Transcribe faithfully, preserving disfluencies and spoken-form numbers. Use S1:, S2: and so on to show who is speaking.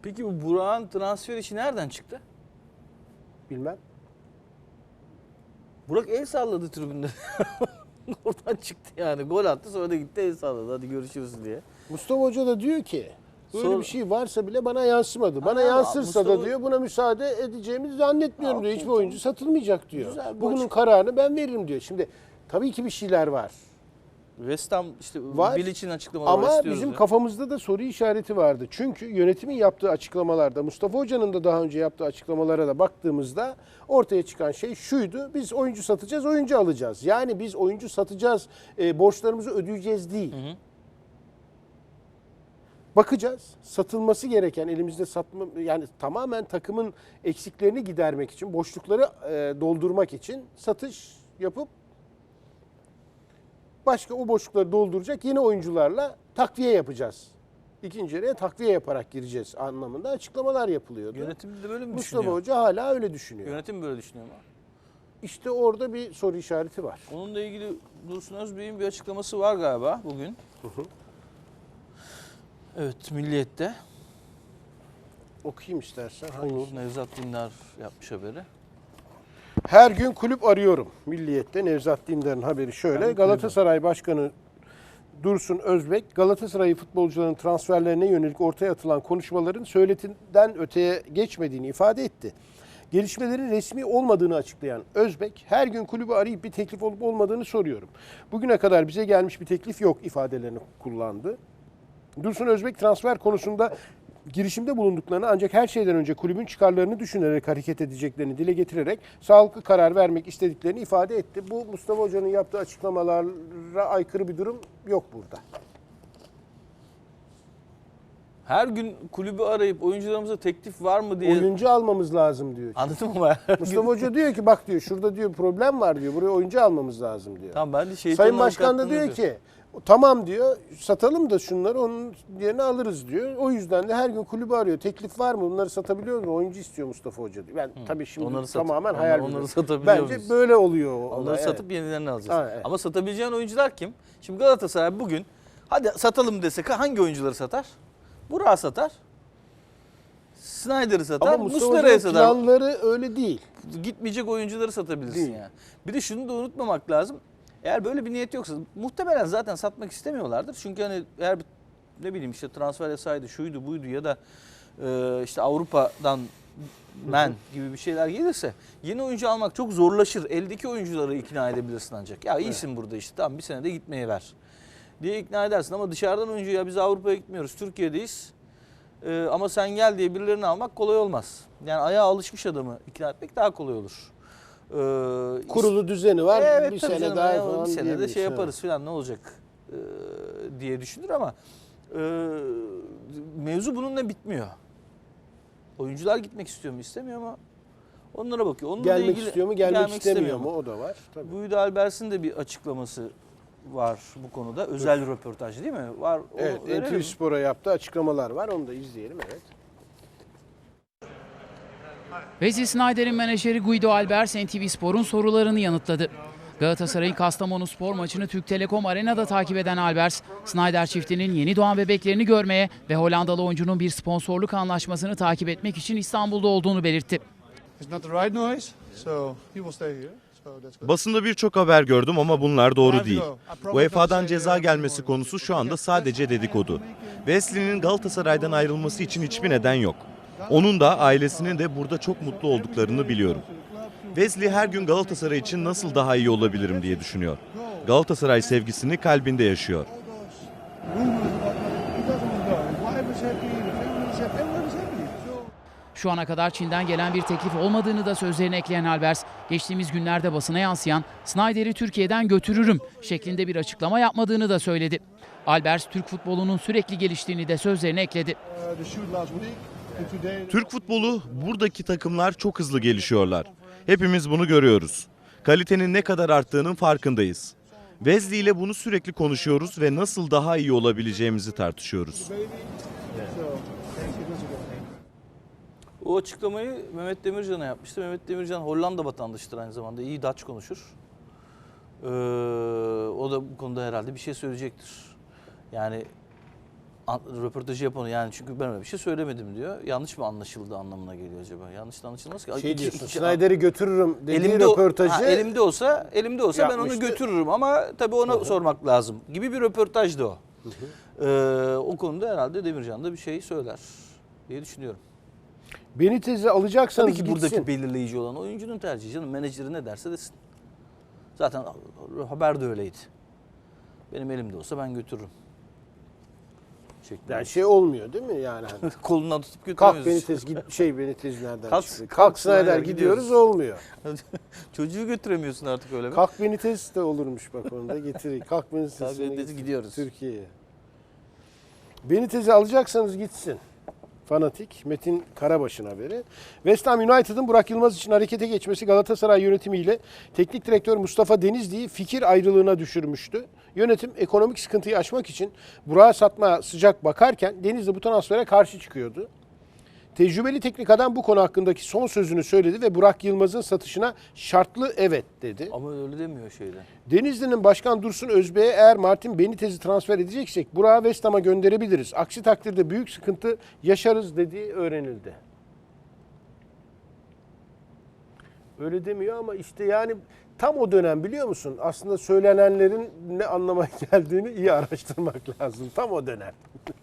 S1: Peki bu Burak'ın transfer işi nereden çıktı?
S2: Bilmem.
S1: Burak el salladı tribünde. Oradan çıktı yani. Gol attı sonra da gitti el salladı. Hadi görüşürüz diye.
S2: Mustafa Hoca da diyor ki böyle
S1: Sonra-
S2: bir şey varsa bile bana yansımadı. Bana
S1: Ha,
S2: yansırsa
S1: Mustafa-
S2: da diyor buna müsaade edeceğimizi zannetmiyorum
S1: Ha,
S2: diyor.
S1: okey,
S2: Hiçbir oyuncu satılmayacak diyor.
S1: Güzel bir
S2: Bugünün
S1: açık-
S2: kararını ben veririm diyor. Şimdi tabii ki bir şeyler var.
S1: West Ham işte
S2: Var.
S1: Bilic'in açıklamaları var,
S2: Ama
S1: istiyoruz
S2: bizim
S1: diyor.
S2: kafamızda da soru işareti vardı. Çünkü yönetimin yaptığı açıklamalarda, Mustafa Hoca'nın da daha önce yaptığı açıklamalara da baktığımızda ortaya çıkan şey şuydu. Biz oyuncu satacağız, oyuncu alacağız. Yani biz oyuncu satacağız, e, borçlarımızı ödeyeceğiz değil.
S1: Hı hı.
S2: Bakacağız. Satılması gereken elimizde satma yani tamamen takımın eksiklerini gidermek için, boşlukları e, doldurmak için satış yapıp başka o boşlukları dolduracak yeni oyuncularla takviye yapacağız. İkinci yarıya takviye yaparak gireceğiz anlamında açıklamalar yapılıyordu.
S1: Yönetim de böyle mi
S2: Mustafa
S1: düşünüyor?
S2: Hoca hala öyle düşünüyor.
S1: Yönetim böyle düşünüyor mu?
S2: İşte orada bir soru işareti var.
S1: Onunla ilgili Dursun Özbey'in bir açıklaması var galiba bugün.
S2: Hı hı.
S1: Evet, Milliyet'te.
S2: Okuyayım istersen.
S1: Olur.
S2: Hangisi?
S1: Nevzat Dindar yapmış haberi.
S2: Her gün kulüp arıyorum. Milliyet'te Nevzat Dindar'ın haberi şöyle.
S1: Ben
S2: Galatasaray Başkanı Dursun Özbek, Galatasaray futbolcularının transferlerine yönelik ortaya atılan konuşmaların söyletinden öteye geçmediğini ifade etti. Gelişmelerin resmi olmadığını açıklayan Özbek, her gün kulübü arayıp bir teklif olup olmadığını soruyorum. Bugüne kadar bize gelmiş bir teklif yok ifadelerini kullandı. Dursun Özbek transfer konusunda girişimde bulunduklarını ancak her şeyden önce kulübün çıkarlarını düşünerek hareket edeceklerini dile getirerek sağlıklı karar vermek istediklerini ifade etti. Bu Mustafa Hoca'nın yaptığı açıklamalara aykırı bir durum yok burada.
S1: Her gün kulübü arayıp oyuncularımıza teklif var mı diye.
S2: Oyuncu almamız lazım diyor.
S1: Anladın mı? Her gün-
S2: Mustafa Hoca diyor ki bak diyor şurada diyor problem var diyor. Buraya oyuncu almamız lazım diyor.
S1: Tamam, ben de şeytanın
S2: Sayın Başkan da
S1: avukatlığını
S2: diyor ki tamam diyor satalım da şunları onun yerine alırız diyor. O yüzden de her gün kulübü arıyor. Teklif var mı? Bunları satabiliyor mu? Oyuncu istiyor Mustafa Hoca diyor. Ben tabii şimdi
S1: Onları satıp-
S2: tamamen
S1: onları-
S2: hayal
S1: onları
S2: ediyorum.
S1: satabiliyor
S2: Bence
S1: muyuz?
S2: böyle oluyor. o
S1: Onları
S2: olay, evet.
S1: satıp yenilerini alacağız.
S2: Ha, evet.
S1: Ama satabileceğin oyuncular kim? Şimdi Galatasaray bugün hadi satalım desek hangi oyuncuları satar? Burak'ı satar. Snyder'ı satar.
S2: Ama Mustafa
S1: Muslera'yı
S2: Hoca'nın
S1: satar.
S2: planları öyle değil.
S1: Gitmeyecek oyuncuları satabilirsin
S2: Değil.
S1: yani. Bir de şunu da unutmamak lazım. Eğer böyle bir niyet yoksa muhtemelen zaten satmak istemiyorlardır. Çünkü hani eğer bir, ne bileyim işte transfer yasaydı, şuydu buydu ya da e, işte Avrupa'dan men gibi bir şeyler gelirse yeni oyuncu almak çok zorlaşır. Eldeki oyuncuları ikna edebilirsin ancak. Ya iyisin burada işte tamam bir sene de gitmeye ver diye ikna edersin. Ama dışarıdan oyuncu ya biz Avrupa'ya gitmiyoruz, Türkiye'deyiz. Ee, ama sen gel diye birilerini almak kolay olmaz. Yani ayağa alışmış adamı ikna etmek daha kolay olur. Ee,
S2: Kurulu düzeni var.
S1: evet,
S2: bir
S1: tabii
S2: sene
S1: canım,
S2: daha
S1: ya,
S2: falan
S1: bir sene de
S2: diyebilirsin,
S1: şey
S2: evet.
S1: yaparız falan ne olacak ee, diye düşünür ama e, mevzu bununla bitmiyor. Oyuncular gitmek istiyor mu istemiyor mu? Onlara bakıyor. Onunla
S2: Gelmek
S1: ilgili,
S2: istiyor mu, gelmek, istemiyor mu? O da var. Tabii.
S1: Buydu Albers'in de bir açıklaması var bu konuda. Özel röportaj değil mi? Var. Onu
S2: Evet,
S1: verelim
S2: N T V
S1: mi?
S2: Spor'a yaptığı açıklamalar var. Onu da izleyelim, evet.
S3: Wesley Sneijder'in menajeri Guido Albers N T V Spor'un sorularını yanıtladı. Galatasaray'ın Kastamonuspor maçını Türk Telekom Arena'da takip eden Albers, Sneijder çiftinin yeni doğan bebeklerini görmeye ve Hollandalı oyuncunun bir sponsorluk anlaşmasını takip etmek için İstanbul'da olduğunu belirtti.
S4: It's not the right noise, so he will stay here. So that's good.
S5: Basında birçok haber gördüm ama bunlar doğru değil. U E F A'dan ceza gelmesi konusu şu anda sadece dedikodu. Wesley'nin Galatasaray'dan ayrılması için hiçbir neden yok. Onun da ailesinin de burada çok mutlu olduklarını biliyorum. Wesley her gün Galatasaray için nasıl daha iyi olabilirim diye düşünüyor. Galatasaray sevgisini kalbinde yaşıyor.
S3: Şu ana kadar Çin'den gelen bir teklif olmadığını da sözlerine ekleyen Albers, geçtiğimiz günlerde basına yansıyan "Sneijder'i Türkiye'den götürürüm" şeklinde bir açıklama yapmadığını da söyledi. Albers, Türk futbolunun sürekli geliştiğini de sözlerine ekledi.
S5: Türk futbolu, buradaki takımlar çok hızlı gelişiyorlar. Hepimiz bunu görüyoruz. Kalitenin ne kadar arttığının farkındayız. Wesley ile bunu sürekli konuşuyoruz ve nasıl daha iyi olabileceğimizi tartışıyoruz.
S1: O açıklamayı Mehmet Demircan'a yapmıştı. Mehmet Demircan Hollanda vatandaşıdır aynı zamanda. İyi Dutch konuşur. Ee, o da bu konuda herhalde bir şey söyleyecektir. Yani an- röportajı yapan yani çünkü ben öyle bir şey söylemedim diyor. Yanlış mı anlaşıldı anlamına geliyor acaba? Yanlış da anlaşılmaz ki.
S2: Şey
S1: İki-
S2: diyorsun,
S1: iki-
S2: Snyder'i götürürüm dediği
S1: elimde o-
S2: röportajı.
S1: ha, elimde olsa elimde olsa ben onu
S2: yapmıştı.
S1: götürürüm ama tabii ona sormak lazım gibi bir röportajdı o. Ee, o konuda herhalde Demircan da bir şey söyler diye düşünüyorum.
S2: Benitez'i alacaksanız
S1: Tabii ki
S2: gitsin.
S1: buradaki belirleyici olan oyuncunun tercihi canım. Menajeri ne derse desin. Zaten haber de öyleydi. Benim elimde olsa ben götürürüm. Şeklinde.
S2: Yani şey olmuyor değil mi yani? Hani,
S1: Kolundan tutup
S2: kalk
S1: götüremiyoruz.
S2: Benitez git şey Benitez nereden
S1: Kalk-
S2: çıktı?
S1: kalk
S2: Kalk
S1: Snyder,
S2: Snyder
S1: gidiyoruz.
S2: gidiyoruz olmuyor.
S1: Çocuğu götüremiyorsun artık öyle mi?
S2: Kalk Benitez de olurmuş bak onu da getireyim. Kalk Benitez'i
S1: Kalk Benitez'i gidiyoruz.
S2: Türkiye'ye. Benitez'i alacaksanız gitsin. Fanatik. Metin Karabaş'ın haberi. West Ham United'ın Burak Yılmaz için harekete geçmesi Galatasaray yönetimiyle teknik direktör Mustafa Denizli'yi fikir ayrılığına düşürmüştü. Yönetim ekonomik sıkıntıyı aşmak için Burak'ı satmaya sıcak bakarken Denizli bu transfere karşı çıkıyordu. Tecrübeli teknik adam bu konu hakkındaki son sözünü söyledi ve Burak Yılmaz'ın satışına şartlı evet dedi.
S1: Ama öyle demiyor şeyde.
S2: Denizli'nin Başkan Dursun Özbek'e eğer Martin Benitez'i transfer edeceksek Burak'ı West Ham'a gönderebiliriz. Aksi takdirde büyük sıkıntı yaşarız dediği öğrenildi. Öyle demiyor ama işte yani tam o dönem biliyor musun? Aslında söylenenlerin ne anlama geldiğini iyi araştırmak lazım. Tam o dönem.